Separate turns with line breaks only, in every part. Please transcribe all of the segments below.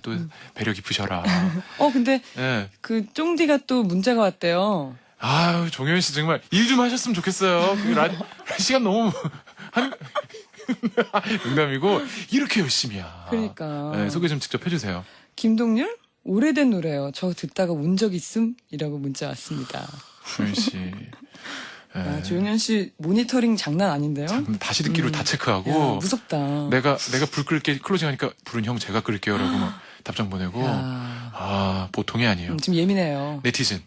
또 배려 깊으셔라.
근데
예.
그 쫑디가 또 문자가 왔대요.
아유, 종현 씨 정말 일 좀 하셨으면 좋겠어요. 시간 너무 농담이고 이렇게 열심히야.
그러니까.
네, 소개 좀 직접 해주세요.
김동률? 오래된 노래요. 저 듣다가 운 적 있음? 이라고 문자 왔습니다.
종현 씨.
야, 조용현 씨 모니터링 장난 아닌데요?
다시 듣기로 다 체크하고.
야, 무섭다.
내가 불 끌게 클로징 하니까 불은 형 제가 끌게요라고 막 답장 보내고.
야.
아, 보통이 아니에요.
지금 예민해요.
네티즌.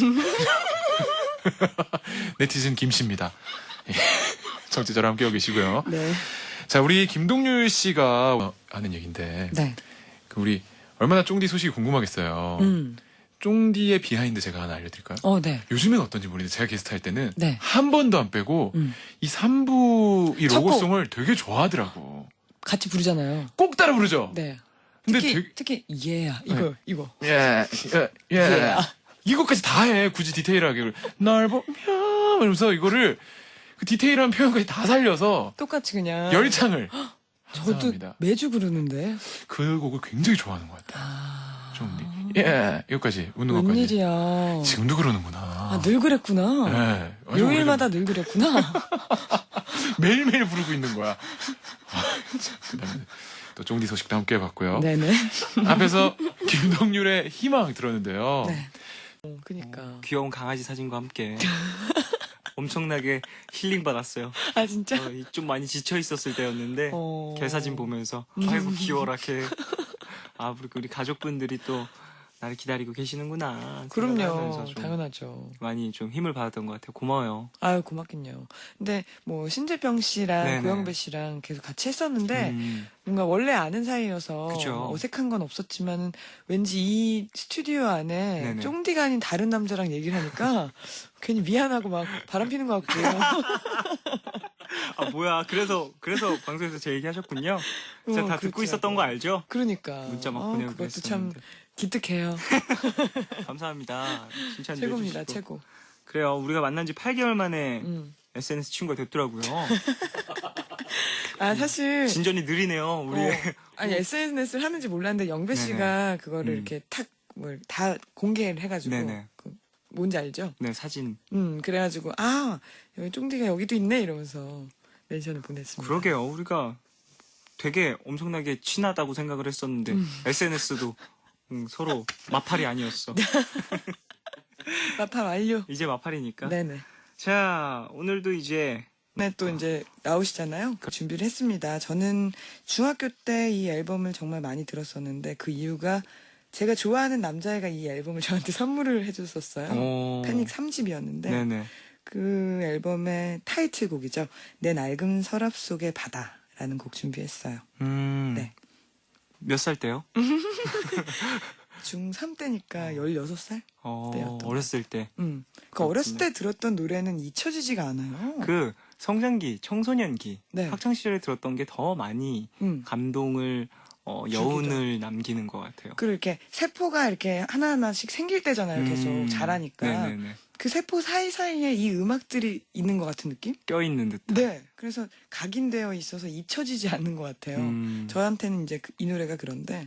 네티즌 김씨입니다. 정치자랑 함께하고 계시고요.
네.
자, 우리 김동률 씨가 하는 얘기인데.
네.
우리 얼마나 쫑디 소식이 궁금하겠어요. 쫑디의 비하인드 제가 하나 알려드릴까요?
네.
요즘엔 어떤지 모르겠는데 제가 게스트 할 때는
네.
한 번도 안 빼고 이 3부 이
첫 곡.
로고송을 되게 좋아하더라고.
같이 부르잖아요.
꼭 따라 부르죠?
네.
근데
특히 yeah 이거.
예. 이거까지 다 해. 굳이 디테일하게. 날 보면 이러면서 이거를 그 디테일한 표현까지 다 살려서
똑같이 그냥
열창을
저도
감사합니다.
매주 부르는데.
그 곡을 굉장히 좋아하는 것 같아요. 쫑디. 이거까지 웃는 것까지.
웬일이야.
지금도 그러는구나.
늘 그랬구나.
네. 아주
요일마다 늘 그랬구나.
매일매일 부르고 있는 거야. 그다음에 또 쫑디 소식도 함께 해봤고요.
네네.
앞에서 김동률의 희망 들었는데요.
네. 그니까.
귀여운 강아지 사진과 함께 엄청나게 힐링 받았어요.
아 진짜?
좀 많이 지쳐 있었을 때였는데 개 사진 보면서 아이고 귀여워라 개. 아 우리 가족분들이 또 나를 기다리고 계시는구나.
그럼요.
생각하면서 좀
당연하죠.
많이 좀 힘을 받았던 것 같아요. 고마워요.
아유 고맙긴요. 근데 뭐 신재병 씨랑
네네.
고영배 씨랑 계속 같이 했었는데
음,
뭔가 원래 아는 사이여서
그죠.
어색한 건 없었지만은 왠지 이 스튜디오 안에
네네.
쫑디가 아닌 다른 남자랑 얘기를 하니까 괜히 미안하고 막 바람 피는 것 같고.
아 뭐야 그래서 방송에서 제 얘기 하셨군요. 제가 다 듣고
그렇더라고요.
있었던 거 알죠?
그러니까.
문자 막 보내고
그것도 참
그랬었는데.
기특해요.
감사합니다. 칭찬
최고입니다.
해주시고.
최고.
그래요. 우리가 만난 지 8개월 만에
음.
SNS 친구가 됐더라고요.
아 사실
진전이 느리네요. 우리
아니 SNS를 하는지 몰랐는데 영배
네네.
씨가 그거를
음.
이렇게 탁 뭘 다 공개를 해가지고
네네.
뭔지 알죠?
네 사진.
그래가지고 여기 쫑디가 여기도 있네 이러면서 멘션을 보냈습니다.
그러게요. 우리가 되게 엄청나게 친하다고 생각을 했었는데 SNS도 서로 마팔이 아니었어.
마파 완료.
이제 마팔이니까.
네네.
자 오늘도 이제
네, 또 이제 나오시잖아요. 준비를 했습니다. 저는 중학교 때 이 앨범을 정말 많이 들었었는데 그 이유가 제가 좋아하는 남자애가 이 앨범을 저한테 선물을 해줬었어요. 패닉 3집이었는데
네네.
그 앨범의 타이틀곡이죠. 내 낡은 서랍 속의 바다라는 곡 준비했어요. 네.
몇 살 때요?
중3 때니까 16살? 때였던
어렸을 때.
그 어렸을 때 들었던 노래는 잊혀지지가 않아요.
그 성장기, 청소년기,
네.
학창 시절에 들었던 게 더 많이 감동을 여운을 남기는 것 같아요.
그리고 이렇게 세포가 이렇게 하나하나씩 생길 때잖아요. 계속 자라니까.
네네네.
그 세포 사이사이에 이 음악들이 있는 것 같은 느낌?
껴있는 듯.
네. 그래서 각인되어 있어서 잊혀지지 않는 것 같아요. 저한테는 이제 이 노래가 그런데.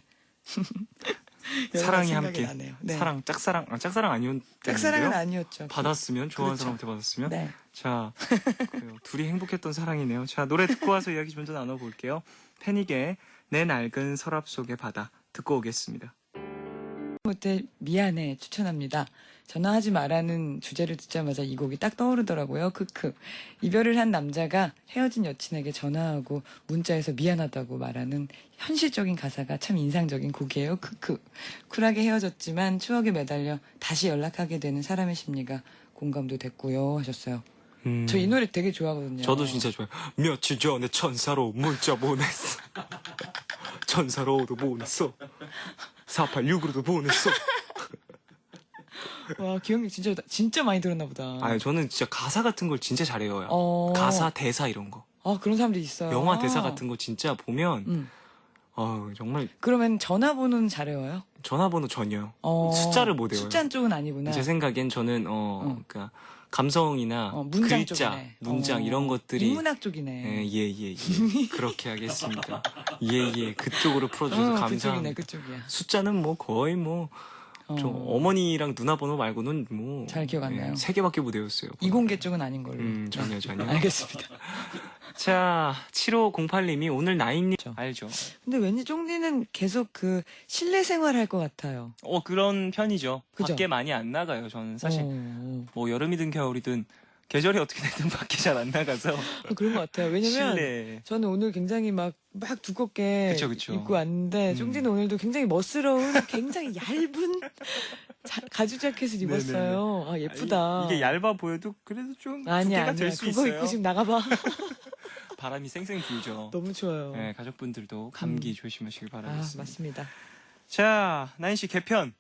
사랑이
생각이
함께.
나네요. 네.
사랑, 짝사랑 아니었는데요?
짝사랑은 아니었죠.
받았으면, 좋아하는
그렇죠.
사람한테 받았으면.
네.
자, 그래요. 둘이 행복했던 사랑이네요. 자, 노래 듣고 와서 이야기 좀 더 나눠볼게요. 패닉의 내 낡은 서랍 속의 바다 듣고 오겠습니다.
못해 미안해 추천합니다. 전화하지 말라는 주제를 듣자마자 이 곡이 딱 떠오르더라고요. 크크. 이별을 한 남자가 헤어진 여친에게 전화하고 문자에서 미안하다고 말하는 현실적인 가사가 참 인상적인 곡이에요. 크크. 쿨하게 헤어졌지만 추억에 매달려 다시 연락하게 되는 사람의 심리가 공감도 됐고요 하셨어요. 저 이 노래 되게 좋아하거든요.
저도 진짜 좋아요. 며칠 전에 천사로 문자 보냈어. 천사로도 보냈어. 486으로도 보냈어.
와 기억력 진짜 많이 들었나 보다.
아니 저는 진짜 가사 같은 걸 진짜 잘해요. 가사, 대사 이런 거.
그런 사람들이 있어요.
영화 대사 같은 거 진짜 보면
음.
정말
그러면 전화번호는 잘 외워요?
전화번호 전혀요. 숫자를 못 외워요.
숫자 쪽은 아니구나.
제 생각엔 저는 그러니까 감성이나
문장
글자,
쪽이네.
문장 이런 것들이
인문학 쪽이네.
예. 그렇게 하겠습니다. 예. 그쪽으로 풀어주셔서 감사합니다.
그쪽이야.
숫자는 뭐 거의 뭐 저 어머니랑 누나 번호 말고는 뭐
잘 기억 안 나요.
3개밖에 못 외웠어요.
이공계 쪽은 아닌 걸로.
전혀.
알겠습니다.
자, 7508님이 오늘 나인님
그렇죠.
알죠?
근데 왠지 쫑디는 계속 그 실내 생활할 것 같아요.
그런 편이죠.
그죠?
밖에 많이 안 나가요. 저는 사실
어,
뭐 여름이든 겨울이든 계절이 어떻게 되든 밖에 잘 안 나가서
그런 것 같아요. 왜냐면
실내.
저는 오늘 굉장히 막 두껍게
그쵸.
입고 왔는데 쫑디는 오늘도 굉장히 멋스러운 굉장히 얇은 가죽 자켓을 입었어요. 아 예쁘다.
이게 얇아 보여도 그래도 좀
아니야
두께가 될 수
그거
있어요.
입고 지금 나가봐.
바람이 쌩쌩 불죠.
너무 추워요.
네, 가족분들도 감기 조심하시길
아
바라겠습니다.
맞습니다.
자, 나인 씨 개편